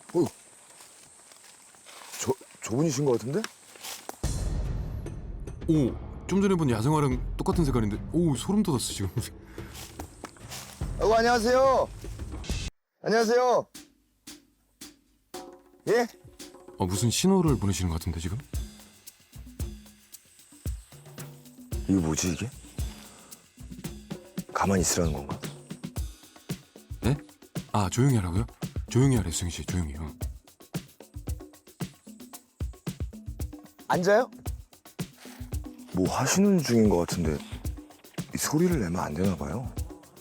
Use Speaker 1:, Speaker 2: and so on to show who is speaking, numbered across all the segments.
Speaker 1: 어, 저분이신 것 같은데?
Speaker 2: 오, 좀 전에 본 야생화랑 똑같은 색깔인데, 오 소름 돋았어 지금.
Speaker 1: 안녕하세요. 안녕하세요. 예?
Speaker 2: 무슨 신호를 보내시는 것 같은데 지금?
Speaker 1: 이거 뭐지 이게? 가만히 있으라는 건가?
Speaker 2: 네? 아 조용히 하라고요? 조용히 하래 수영 씨, 조용히.
Speaker 1: 앉아요? 뭐 하시는 중인 것 같은데 이 소리를 내면 안 되나 봐요.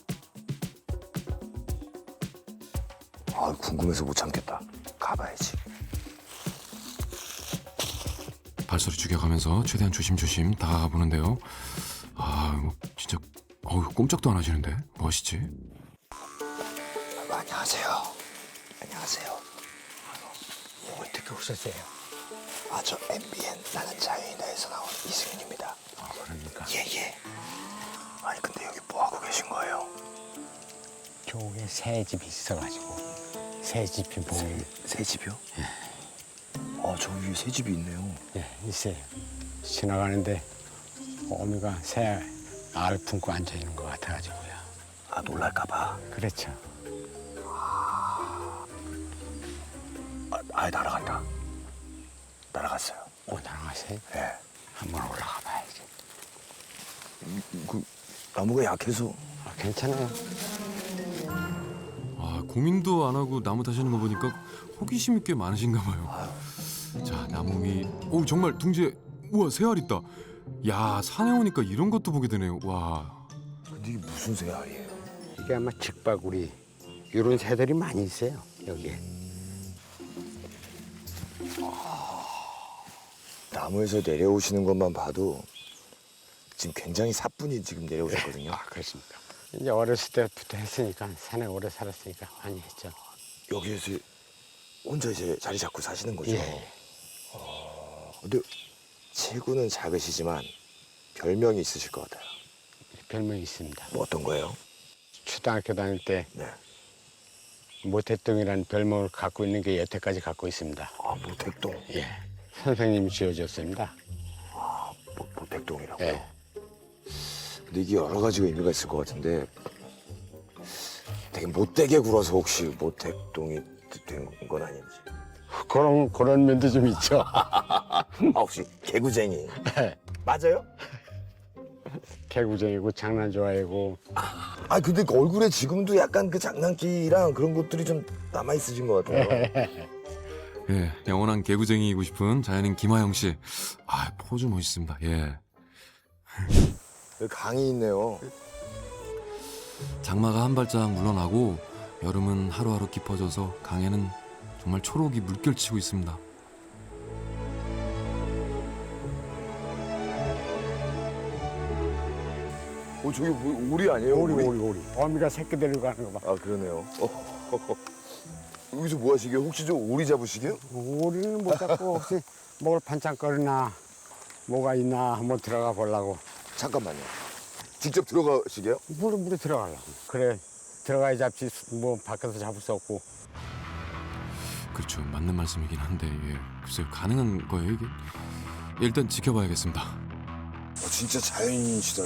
Speaker 1: 아, 궁금해서 못 참겠다. 가봐야지.
Speaker 2: 발소리 죽여가면서 최대한 조심조심 다가가 보는데요. 아 이거 진짜 꼼짝도 안 하시는데 멋있지?
Speaker 1: 안녕하세요. 안녕하세요.
Speaker 3: 어떻게 오셨어요?
Speaker 1: 저 MBN 나는 자유인다에서 나온 이승윤입니다.
Speaker 3: 그러니까
Speaker 1: 예. 아니 근데 여기 뭐 하고 계신 거예요?
Speaker 3: 저게 새 집이 있어가지고 새 집이 보면
Speaker 1: 새 집이요? 저 위에 새 집이 있네요.
Speaker 3: 있어요. 지나가는데 어미가 새 알 품고 앉아 있는 것 같아가지고요.
Speaker 1: 놀랄까봐.
Speaker 3: 그렇죠.
Speaker 1: 아예 날아간다. 날아갔어요.
Speaker 3: 날아가세요?
Speaker 1: 예.
Speaker 3: 한번 올라가 봐야지.
Speaker 1: 그 나무가 약해서.
Speaker 3: 괜찮아요.
Speaker 2: 아 고민도 안 하고 나무 타시는 거 보니까 호기심이 꽤 많으신가 봐요. 자 나무 위, 오 정말 둥지에 우와 새알 있다. 야 산에 오니까 이런 것도 보게 되네요. 와.
Speaker 1: 근데 이게 무슨 새알이에요?
Speaker 3: 이게 아마 직바구리 이런 새들이 많이 있어요 여기에.
Speaker 1: 나무에서 내려오시는 것만 봐도 지금 굉장히 사뿐히 지금 내려오셨거든요.
Speaker 3: 그렇습니까? 이제 어렸을 때부터 했으니까 산에 오래 살았으니까 많이 했죠.
Speaker 1: 여기에서 혼자 이제 자리 잡고 사시는 거죠?
Speaker 3: 예.
Speaker 1: 근데 체구는 작으시지만 별명이 있으실 것 같아요.
Speaker 3: 별명이 있습니다.
Speaker 1: 뭐 어떤 거예요?
Speaker 3: 초등학교 다닐 때
Speaker 1: 네.
Speaker 3: 모택동이라는 별명을 갖고 있는 게 여태까지 갖고 있습니다.
Speaker 1: 모택동.
Speaker 3: 예. 선생님이 지어줬습니다.
Speaker 1: 모택동이라고요?
Speaker 3: 예.
Speaker 1: 근데 이게 여러 가지가 의미가 있을 것 같은데 되게 못되게 굴어서 혹시 모택동이 된 건 아닌지.
Speaker 3: 그런 면도 좀 있죠.
Speaker 1: 혹시 개구쟁이. 맞아요?
Speaker 3: 개구쟁이고 장난 좋아하고.
Speaker 1: 근데 그 얼굴에 지금도 약간 그 장난기랑 그런 것들이 좀 남아 있으신 것 같아요.
Speaker 2: 예, 영원한 개구쟁이이고 싶은 자연인 김하영 씨. 아, 포즈 멋있습니다. 예.
Speaker 1: 여기 강이 있네요.
Speaker 2: 장마가 한 발짝 물러나고 여름은 하루하루 깊어져서 강에는 정말 초록이 물결치고 있습니다.
Speaker 1: 저기 뭐 오리 아니에요?
Speaker 3: 오리. 어미가 새끼 데리고 가는 거 봐.
Speaker 1: 그러네요. 여기서 뭐 하시게요? 혹시 저 오리 잡으시게요?
Speaker 3: 오리는 못 잡고 혹시 먹을 반찬거리나 뭐가 있나 한번 들어가 보려고.
Speaker 1: 잠깐만요. 직접 들어가시게요?
Speaker 3: 물에 들어가려고. 그래 들어가야 잡지 뭐 밖에서 잡을 수 없고.
Speaker 2: 그렇죠, 맞는 말씀이긴 한데 글쎄요, 가능한 거예요 이게? 일단 지켜봐야겠습니다.
Speaker 1: 진짜 자연인이시다.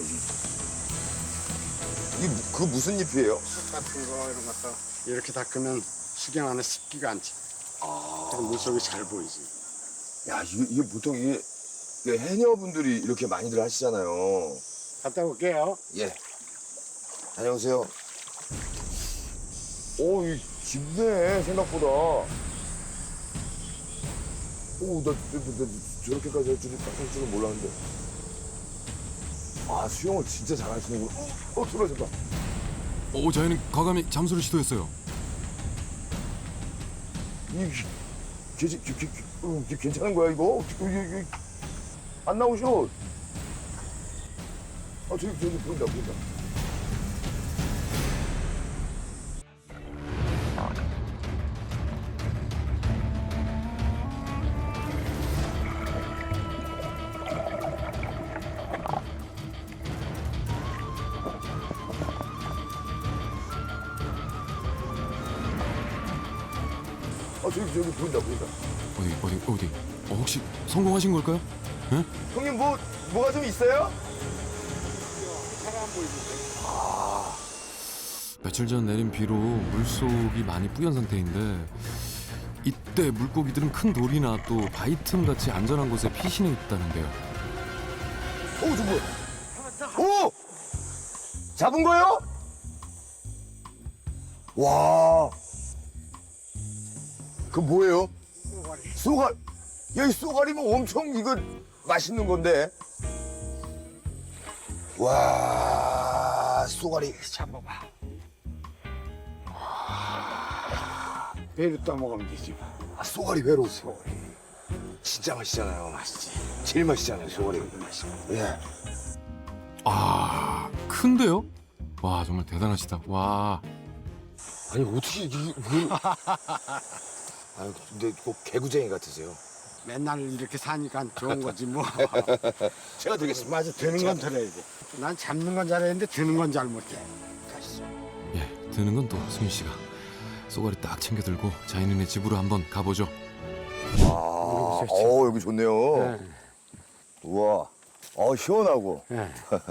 Speaker 1: 이게 그 무슨 잎이에요?
Speaker 3: 같은 거 이런 것도 이렇게 닦으면 수경 안에 습기가 않지. 그래서 물속이 잘 보이지.
Speaker 1: 야, 이게 보통 이게 해녀분들이 이렇게 많이들 하시잖아요.
Speaker 3: 갔다 올게요.
Speaker 1: 예. 다녀오세요. 이 깊네, 생각보다. 나 저렇게까지 할 줄은 몰랐는데. 수영을 진짜 잘하시는구나. 들어졌다.
Speaker 2: 자연인 과감히 잠수를 시도했어요.
Speaker 1: 괜찮은 거야, 이거? 안 나오셔. 저기 보인다. 저기 보인다.
Speaker 2: 어디? 혹시 성공하신 걸까요? 예?
Speaker 1: 형님 뭐가 좀 있어요?
Speaker 2: 며칠 전 내린 비로 물속이 많이 뿌연 상태인데 이때 물고기들은 큰 돌이나 또 바위 틈 같이 안전한 곳에 피신해 있다는데요.
Speaker 1: 저 뭐야? 오! 잡은 거요? 와. 그 뭐예요? 쏘가리. 야, 이 쏘가리면 엄청 이거 맛있는 건데. 와, 쏘가리 잡아봐.
Speaker 3: 배를 떠먹으면 되지.
Speaker 1: 쏘가리 회로. 진짜 맛있잖아요. 맛있지. 제일 맛있잖아요, 쏘가리. 맛있어. 예.
Speaker 2: 큰데요? 와, 정말 대단하시다. 와.
Speaker 1: 아니 어떻게 아니 근데 꼭 개구쟁이 같으세요.
Speaker 3: 맨날 이렇게 사니까 좋은 거지 뭐.
Speaker 1: 제가 드리겠습니다.
Speaker 3: 맞아, 드는 건 들어야 돼. 난 잡는 건 잘했는데 드는 건 잘 못해.
Speaker 1: 가시죠.
Speaker 2: 예, 드는 건 또 승윤 씨가 쏘가리 딱 챙겨 들고 자연인의 집으로 한번 가보죠.
Speaker 1: 여기 좋네요.
Speaker 3: 네.
Speaker 1: 우와, 시원하고.
Speaker 3: 네.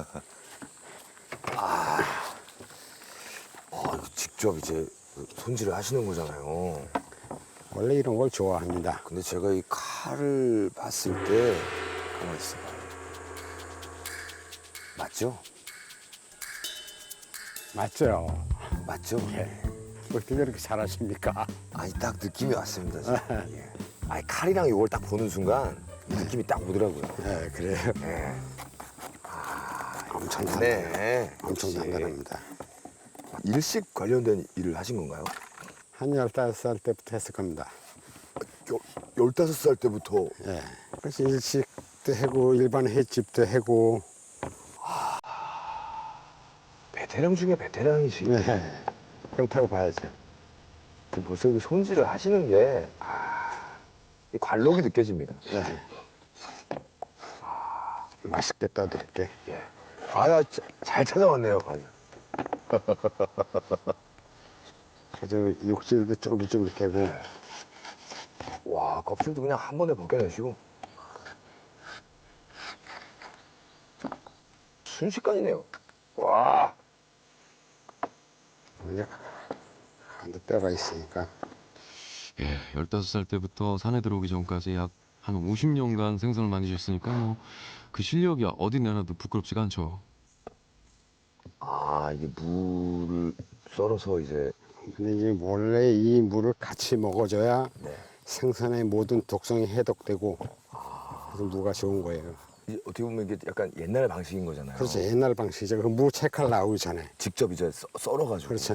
Speaker 1: 이거 직접 이제 손질을 하시는 거잖아요.
Speaker 3: 원래 이런 걸 좋아합니다.
Speaker 1: 근데 제가 이 칼을 봤을 때 가만 있어봐. 맞죠?
Speaker 3: 맞죠?
Speaker 1: 맞죠?
Speaker 3: 어떻게 그렇게 잘하십니까?
Speaker 1: 아니 딱 느낌이 왔습니다. 지금. 예. 아니 칼이랑 이걸 딱 보는 순간 이 느낌이 딱 오더라고요.
Speaker 3: 네, 그래요.
Speaker 1: 예.
Speaker 3: 엄청
Speaker 1: 네.
Speaker 3: 엄청 단단합니다.
Speaker 1: 일식 관련된 일을 하신 건가요?
Speaker 3: 한 15살 때부터 했을 겁니다.
Speaker 1: 15살 때부터.
Speaker 3: 예. 그래서 일식도 하고 일반 횟집도 하고.
Speaker 1: 베테랑 중에 베테랑이시.
Speaker 3: 네. 그렇다고 봐야죠.
Speaker 1: 벌써 그 손질을 하시는 게 이 관록이 느껴집니다.
Speaker 3: 네. 맛있게 떠드릴게.
Speaker 1: 예. 잘 찾아왔네요, 아주.
Speaker 3: 그래서 육질도 쫄깃쫄깃하고.
Speaker 1: 와, 껍질도 그냥 한 번에 벗겨내시고. 순식간이네요. 와.
Speaker 3: 이제 한도 때가 있으니까.
Speaker 2: 예, 15살 때부터 산에 들어오기 전까지 약 한 50년간 생선을 만드셨으니까 뭐 그 실력이 어디 내놔도 부끄럽지가 않죠.
Speaker 1: 이게 물을 썰어서 이제.
Speaker 3: 근데 이제 원래 이 물을 같이 먹어줘야
Speaker 1: 네.
Speaker 3: 생선의 모든 독성이 해독되고 그래서 무가 좋은 거예요.
Speaker 1: 어떻게 보면 이게 약간 옛날 방식인 거잖아요.
Speaker 3: 그렇죠. 옛날 방식이죠. 그 무 채칼 나오기 전에.
Speaker 1: 직접 이제 썰어가지고.
Speaker 3: 그렇죠.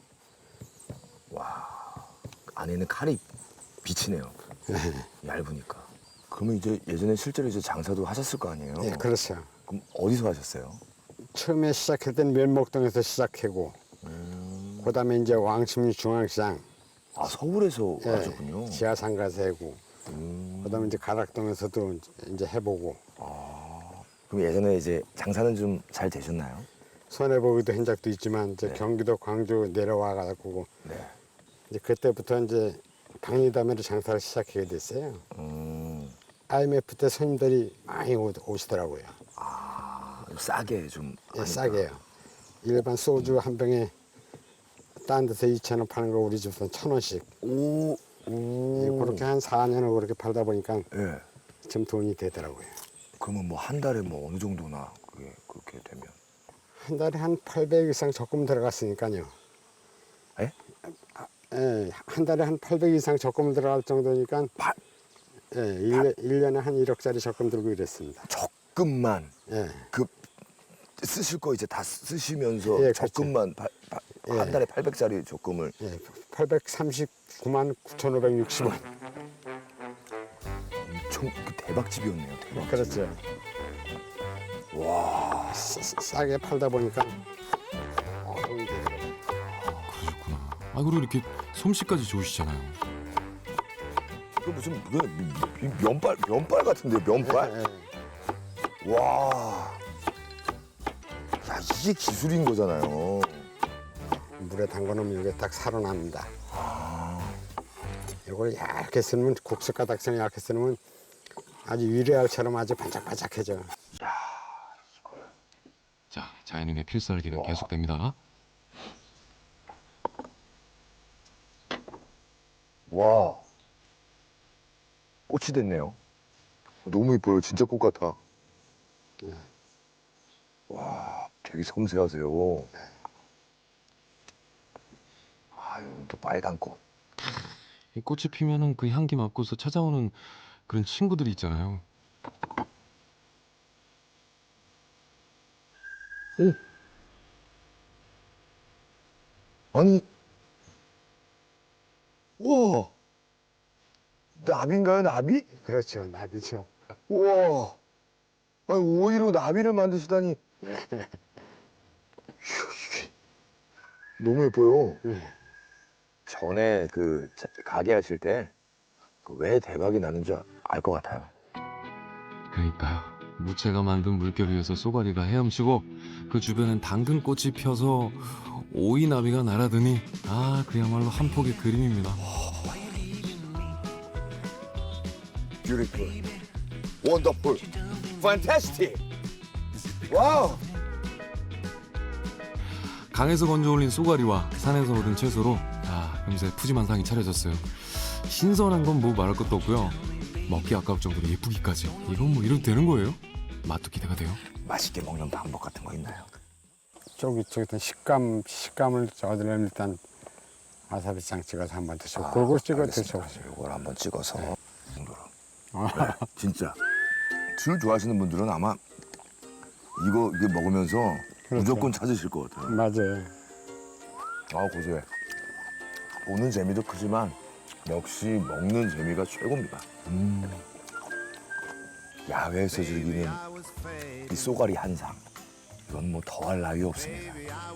Speaker 1: 안에는 칼이 비치네요. 얇으니까. 그러면 이제 예전에 실제로 이제 장사도 하셨을 거 아니에요?
Speaker 3: 예, 그렇죠.
Speaker 1: 그럼 어디서 하셨어요?
Speaker 3: 처음에 시작할 때는 면목동에서 시작하고 그다음에 이제 왕십리 중앙시장
Speaker 1: 서울에서
Speaker 3: 예,
Speaker 1: 하셨군요.
Speaker 3: 지하상 가서 하고 그다음에 이제 가락동에서도 이제 해보고
Speaker 1: 그럼 예전에 이제 장사는 좀 잘 되셨나요?
Speaker 3: 손해보기도 한 적도 있지만 이제
Speaker 1: 네.
Speaker 3: 경기도 광주 내려와 가지고
Speaker 1: 네.
Speaker 3: 이제 그때부터 이제 방리담회로 장사를 시작하게 됐어요. IMF 때 손님들이 많이 오시더라고요.
Speaker 1: 싸게 좀.
Speaker 3: 예,
Speaker 1: 하니까.
Speaker 3: 싸게요. 일반 소주 한 병에 딴 데서 2,000원 파는 거 우리 집에서는 1,000원씩. 예, 그렇게 한 4년을 그렇게 팔다 보니까
Speaker 1: 예.
Speaker 3: 좀 돈이 되더라고요.
Speaker 1: 그러면 뭐 한 달에 뭐 어느 정도나 그게 그렇게 되면?
Speaker 3: 한 달에 한 800 이상 적금 들어갔으니까요.
Speaker 1: 예?
Speaker 3: 예, 한 달에 한 800 이상 적금 들어갈 정도니까 예, 1년에 한 1억짜리 적금 들고 이랬습니다.
Speaker 1: 적금만
Speaker 3: 예,
Speaker 1: 그 쓰실 거 이제 다 쓰시면서
Speaker 3: 예, 그렇죠.
Speaker 1: 적금만
Speaker 3: 예.
Speaker 1: 한 달에 800짜리 적금을.
Speaker 3: 예, 839만 9,560원.
Speaker 1: 엄청 대박집이었네요. 대박.
Speaker 3: 그렇죠.
Speaker 1: 와.
Speaker 3: 싸게 팔다 보니까 돈이 되더라고요.
Speaker 2: 그러셨구나. 그리고 이렇게 솜씨까지 좋으시잖아요.
Speaker 1: 그 무슨 면발 같은데 면발?
Speaker 3: 예, 예.
Speaker 1: 와. 야, 이게 기술인 거잖아요.
Speaker 3: 물에 담궈 놓으면 이게 딱 살아납니다. 이걸 얇게 쓰면 국수 가닥처럼 얇게 쓰면 아주 유리알처럼 아주 반짝반짝해져.
Speaker 2: 자, 자연인의 필살기는 계속됩니다.
Speaker 1: 와, 꽃이 됐네요. 너무 이뻐요. 진짜 꽃 같아. 와, 되게 섬세하세요. 아유, 또 빨간 꽃.
Speaker 2: 이 꽃이 피면은 그 향기 맡고서 찾아오는 그런 친구들이 있잖아요.
Speaker 1: 아니, 우와, 나비인가요, 나비?
Speaker 3: 그렇죠, 나비죠.
Speaker 1: 우와, 아니, 오이로 나비를 만드시다니. 이야, 이게 너무 예뻐요. 전에 그 가게 하실 때 왜 대박이 나는지 알 것 같아요.
Speaker 2: 그러니까요. 무채가 만든 물결 위에서 쏘가리가 헤엄치고 그 주변엔 당근꽃이 펴서 오이나비가 날아드니 아 그야말로 한 폭의 그림입니다.
Speaker 1: Beautiful, wonderful, fantastic. 와우.
Speaker 2: 강에서 건져 올린 쏘가리와 산에서 얻은 채소로 금세 푸짐한 상이 차려졌어요. 신선한 건 뭐 말할 것도 없고요. 먹기 아까울 정도로 예쁘기까지. 이건 뭐 이래도 되는 거예요? 맛도 기대가 돼요.
Speaker 1: 맛있게 먹는 방법 같은 거 있나요?
Speaker 3: 쫄깃쫄깃한 식감을 얻으려면 일단 와사비장 찍어서 한번 드셔. 골고루 찍어 드셔.
Speaker 1: 이걸 한번 찍어서 정도로. 네, 진짜 술 좋아하시는 분들은 아마 이게 먹으면서 무조건 찾으실 것 같아요.
Speaker 3: 맞아요.
Speaker 1: 아, 고소해. 보는 재미도 크지만 역시 먹는 재미가 최고입니다. 야외에서 즐기는 이 쏘가리 한 상. 이건 뭐 더할 나위 없습니다.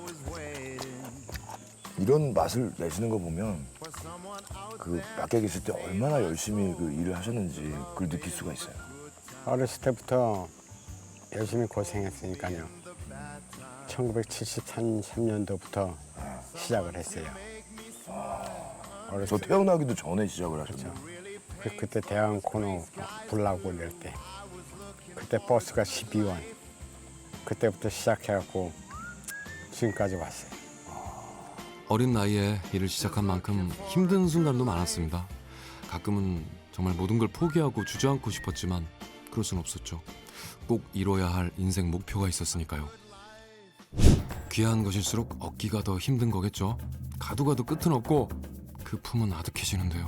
Speaker 1: 이런 맛을 내시는 거 보면 그 밖에 계실 때 얼마나 열심히 그 일을 하셨는지 그걸 느낄 수가 있어요.
Speaker 3: 어렸을 때부터 열심히 고생했으니까요. 1973년도부터 시작을 했어요.
Speaker 1: 저
Speaker 3: 어렸을 때
Speaker 1: 태어나기도 전에 시작을 하셨죠.
Speaker 3: 그때 대학 코너 불나고 이럴 때 그때 버스가 12원 그때부터 시작해갖고 지금까지 왔어요.
Speaker 2: 어린 나이에 일을 시작한 만큼 힘든 순간도 많았습니다. 가끔은 정말 모든 걸 포기하고 주저앉고 싶었지만 그럴 순 없었죠. 꼭 이뤄야 할 인생 목표가 있었으니까요. 귀한 것일수록 얻기가 더 힘든 거겠죠. 가도 가도 끝은 없고 그 품은 아득해지는데요.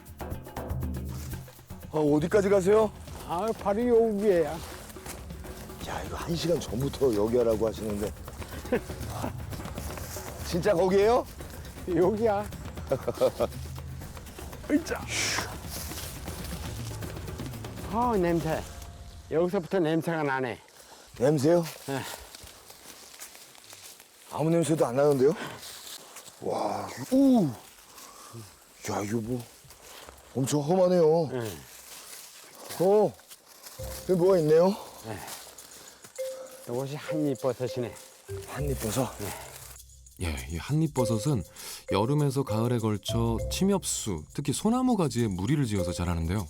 Speaker 1: 어디까지 가세요?
Speaker 3: 아 바로 요 위에야.
Speaker 1: 야, 이거 1시간 전부터 여기 하라고 하시는데 진짜 거기에요?
Speaker 3: 여기야.
Speaker 1: 으이짜.
Speaker 3: 냄새. 여기서부터 냄새가 나네.
Speaker 1: 냄새요?
Speaker 3: 네.
Speaker 1: 아무 냄새도 안 나는데요? 와, 야, 이거 뭐 엄청 험하네요.
Speaker 3: 네.
Speaker 1: 여기 뭐가 있네요?
Speaker 3: 이것이 한입버섯이네.
Speaker 1: 한입버섯.
Speaker 2: 예, 이 한입버섯은 여름에서 가을에 걸쳐 침엽수, 특히 소나무 가지에 무리를 지어서 자라는데요.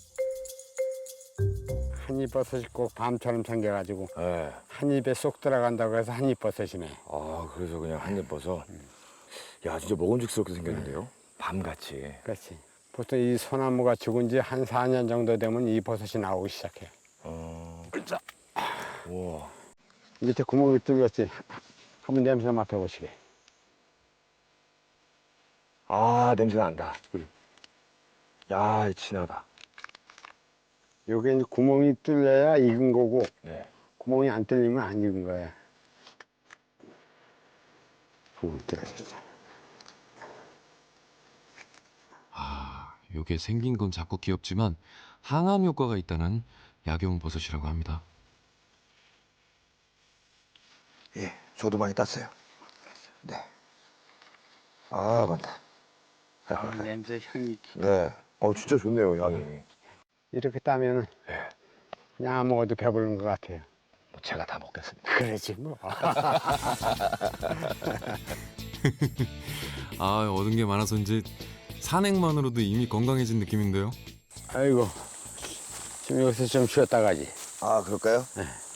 Speaker 3: 한입버섯이 꼭 밤처럼 생겨가지고
Speaker 1: 네.
Speaker 3: 한 입에 쏙 들어간다고 해서 한입버섯이네.
Speaker 1: 아, 그래서 그냥 한입버섯. 야, 진짜 먹음직스럽게 생겼는데요? 밤같이.
Speaker 3: 그렇지. 보통 이 소나무가 죽은 지 한 4년 정도 되면 이 버섯이 나오기 시작해.
Speaker 1: 으이짜. 우와.
Speaker 3: 밑에 구멍이 뚫렸지. 한번 냄새 맡아보시게.
Speaker 1: 아, 냄새 난다. 야, 진하다.
Speaker 3: 여기 이제 구멍이 뚫려야 익은 거고
Speaker 1: 네.
Speaker 3: 구멍이 안 뚫리면 안 익은 거야. 구멍이 뚫려졌어.
Speaker 2: 요게 생긴 건 작고 귀엽지만 항암 효과가 있다는 약용버섯이라고 합니다.
Speaker 1: 예, 저도 많이 땄어요. 네. 아, 맞다.
Speaker 3: 냄새 향이
Speaker 1: 네. 진짜 좋네요, 향이.
Speaker 3: 이렇게 따면은
Speaker 1: 네.
Speaker 3: 그냥 안 먹어도 배부른 것 같아요.
Speaker 1: 제가 다 먹겠습니다.
Speaker 3: 그러지 뭐.
Speaker 2: 얻은 게 많아서인지 산행만으로도 이미 건강해진 느낌인데요.
Speaker 3: 아이고, 지금 여기서 좀 쉬었다 가지.
Speaker 1: 아, 그럴까요?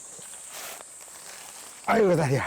Speaker 3: 아이고, 다리야.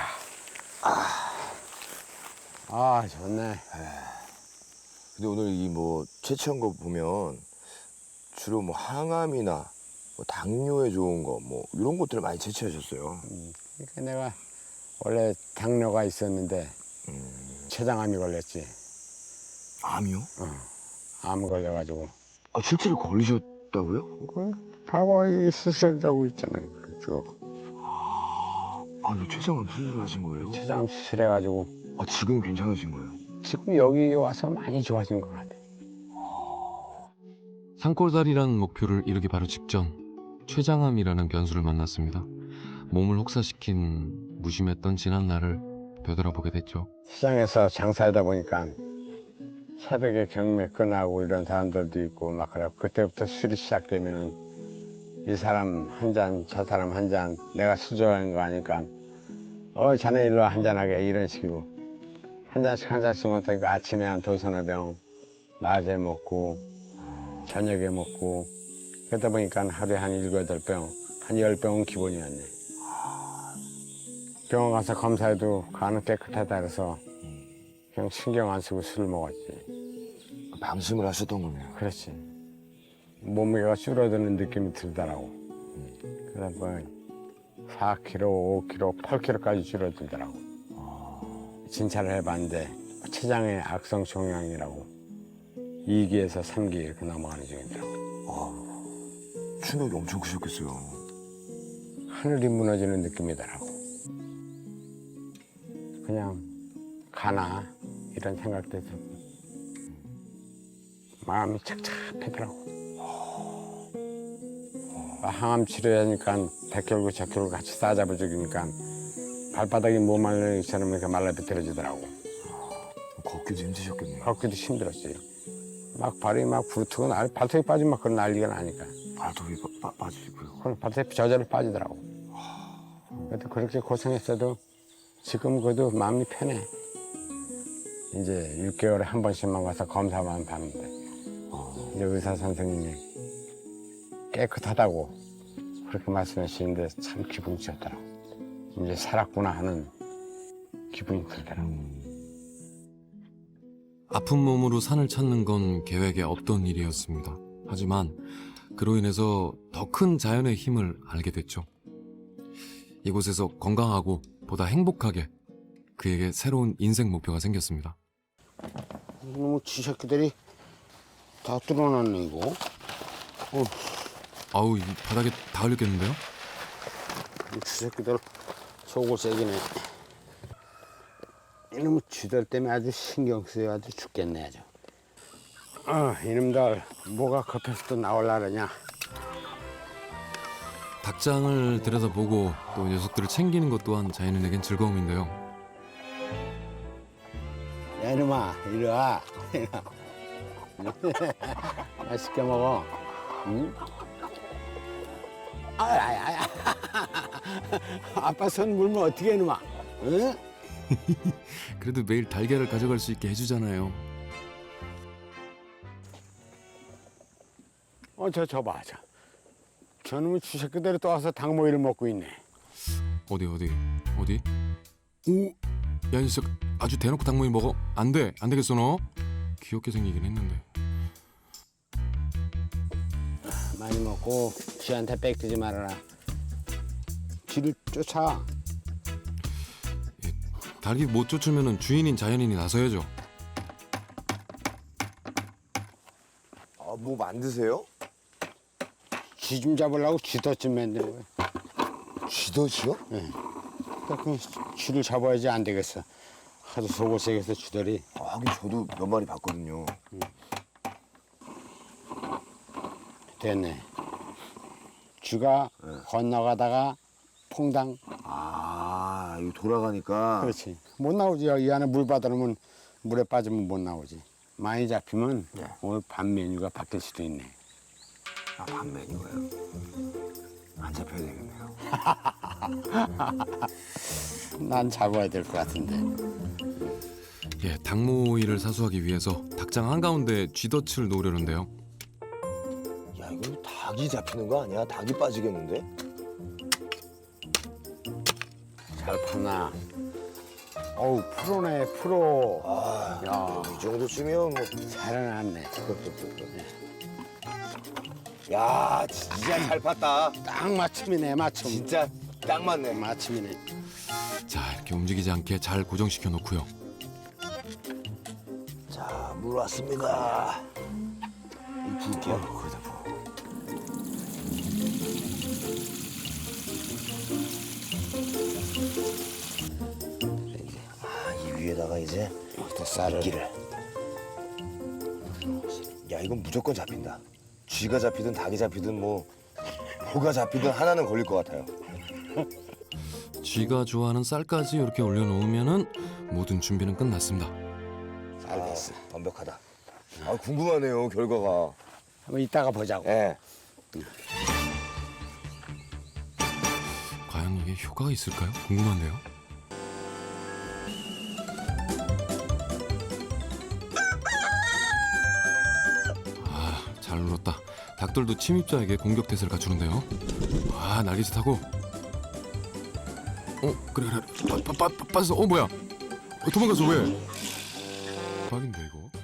Speaker 3: 아, 좋네.
Speaker 1: 근데 오늘 이 뭐 채취한 거 보면 주로 뭐 항암이나 뭐 당뇨에 좋은 거 뭐 이런 것들을 많이 채취하셨어요.
Speaker 3: 그러니까 내가 원래 당뇨가 있었는데 췌장암이 걸렸지.
Speaker 1: 암이요?
Speaker 3: 암 걸려가지고.
Speaker 1: 아, 실제로 걸리셨다고요?
Speaker 3: 과거에 수술하고 있잖아요. 쭉.
Speaker 1: 아, 이 췌장암 수술하신 거예요?
Speaker 3: 췌장 수술해가지고
Speaker 1: 아, 지금 괜찮으신 거예요?
Speaker 3: 지금 여기 와서 많이 좋아진 것 같아.
Speaker 2: 산골다리라는 목표를 이루기 바로 직전 췌장암이라는 변수를 만났습니다. 몸을 혹사시킨 무심했던 지난 날을 되돌아보게 됐죠.
Speaker 3: 시장에서 장사하다 보니까 새벽에 경매 끝나고 이런 사람들도 있고 막 그래. 그때부터 술이 시작되면은 이 사람 한 잔, 저 사람 한 잔, 내가 수저하는 거 아니까 자네 일로 한 잔하게 이런 식으로 한 잔씩 먹으니까 아침에 한 두서너 병, 낮에 먹고 저녁에 먹고 그러다 보니까 하루에 한 7, 8병, 한 10병은 기본이었네. 병원 가서 검사해도 간은 깨끗하다 그래서 그냥 신경 안 쓰고 술을 먹었지.
Speaker 1: 방심을 하셨던 거네요.
Speaker 3: 그렇지. 몸무게가 줄어드는 느낌이 들더라고. 그래서 뭐 4kg, 5kg, 8kg까지 줄어들더라고. 진찰을 해봤는데 췌장의 악성 종양이라고 2기에서 3기 이렇게 넘어가는 중이더라고.
Speaker 1: 충격이 엄청 크셨겠어요.
Speaker 3: 하늘이 무너지는 느낌이더라고. 그냥 가나 이런 생각도 들고 마음이 착잡하더라고. 항암 치료하니까 100kg, 10kg 같이 싸잡아 죽이니까 발바닥이 못 말리는 것처럼 이렇게 말라비틀어지더라고.
Speaker 1: 걷기도 힘드셨겠네요.
Speaker 3: 걷기도 힘들었지. 막 발이 막 부르트고 발톱이 빠지면 막 그런 난리가 나니까.
Speaker 1: 발톱이 빠지고요.
Speaker 3: 그럼 발톱이 저절로 빠지더라고. 그래도 그렇게 고생했어도 지금 그래도 마음이 편해. 이제 6개월에 한 번씩만 가서 검사만 받는데 이제 의사 선생님이 깨끗하다고 그렇게 말씀하시는데 참 기분이 좋더라고. 이제 살았구나 하는 기분이 들더라고.
Speaker 2: 아픈 몸으로 산을 찾는 건 계획에 없던 일이었습니다. 하지만 그로 인해서 더 큰 자연의 힘을 알게 됐죠. 이곳에서 건강하고 보다 행복하게 그에게 새로운 인생 목표가 생겼습니다.
Speaker 3: 이놈의 쥐새끼들이 다 뚫어놨네 이거.
Speaker 2: 아우, 이 바닥에 다 흘렸겠는데요?
Speaker 3: 이 쥐새끼들 속을 새기네. 이놈의 쥐들 때문에 아주 신경 쓰여 아주 죽겠네 아주. 이놈들 뭐가 급해서 또 나올라 그러냐.
Speaker 2: 닭장을 들여다보고 또 녀석들을 챙기는 것 또한 자연인에겐 즐거움인데요.
Speaker 3: 야 이놈아 이리 와. 맛있게 먹어. 응? 아야야야. 아빠 손 물면 어떻게 해 이놈아. 응?
Speaker 2: 그래도 매일 달걀을 가져갈 수 있게 해주잖아요.
Speaker 3: 저 봐. 저놈의 쥐새끼들이 또 와서 닭모이를 먹고 있네.
Speaker 2: 어디? 오, 야, 이 녀석 아주 대놓고 닭모이 먹어? 안 돼, 안 되겠어 너. 귀엽게 생기긴 했는데.
Speaker 3: 많이 먹고 쥐한테 뺏기지 말아라. 쥐를 쫓아.
Speaker 2: 닭이 못 쫓으면 주인인 자연인이 나서야죠.
Speaker 1: 뭐 만드세요?
Speaker 3: 쥐 좀 잡으려고 쥐덫 좀 만드는 거야.
Speaker 1: 쥐덫이요?
Speaker 3: 그러니까 그 쥐를 잡아야지 안 되겠어. 하도 속을 새겨서 쥐들이.
Speaker 1: 하긴 저도 몇 마리 봤거든요.
Speaker 3: 됐네. 쥐가 건너가다가 퐁당.
Speaker 1: 이거 돌아가니까.
Speaker 3: 그렇지. 못 나오지. 이 안에 물 받아놓으면 물에 빠지면 못 나오지. 많이 잡히면 오늘 밤 메뉴가 바뀔 수도 있네.
Speaker 1: 밥 메뉴가요? 안 잡혀야 되겠네요.
Speaker 3: 난 잡아야 될 것 같은데.
Speaker 2: 예, 닭모이를 사수하기 위해서 닭장 한가운데 쥐덫을 놓으려는데요.
Speaker 1: 야 이거 닭이 잡히는 거 아니야? 닭이 빠지겠는데?
Speaker 3: 잘 파나. 어우 프로네 프로.
Speaker 1: 아,
Speaker 3: 야
Speaker 1: 이 정도쯤이면 뭐.
Speaker 3: 살아났네.
Speaker 1: 야 진짜 잘 팠다.
Speaker 3: 딱 맞춤이네 맞춤.
Speaker 1: 진짜 딱 맞네.
Speaker 3: 맞춤이네.
Speaker 2: 자, 이렇게 움직이지 않게 잘 고정시켜 놓고요.
Speaker 1: 자, 물 왔습니다. 이 부을게요. 거기다 부어. 이 위에다가 이제
Speaker 3: 쌀을.
Speaker 1: 미끼를. 야, 이건 무조건 잡힌다. 쥐가 잡히든 닭이 잡히든 뭐 뭐가 잡히든 하나는 걸릴 것 같아요.
Speaker 2: 쥐가 좋아하는 쌀까지 이렇게 올려놓으면은 모든 준비는 끝났습니다.
Speaker 3: 잘 됐어.
Speaker 1: 완벽하다. 아, 궁금하네요, 결과가.
Speaker 3: 한번 이따가 보자고.
Speaker 1: 예.
Speaker 2: 과연 이게 효과가 있을까요? 궁금한데요. 아, 잘 눌렀다. 닭들도 침입자에게 공격 태세를 갖추는데요. 아, 날개짓하고. 그래. 빠졌어. 뭐야? 도망갔어 왜? 대박인데 이거.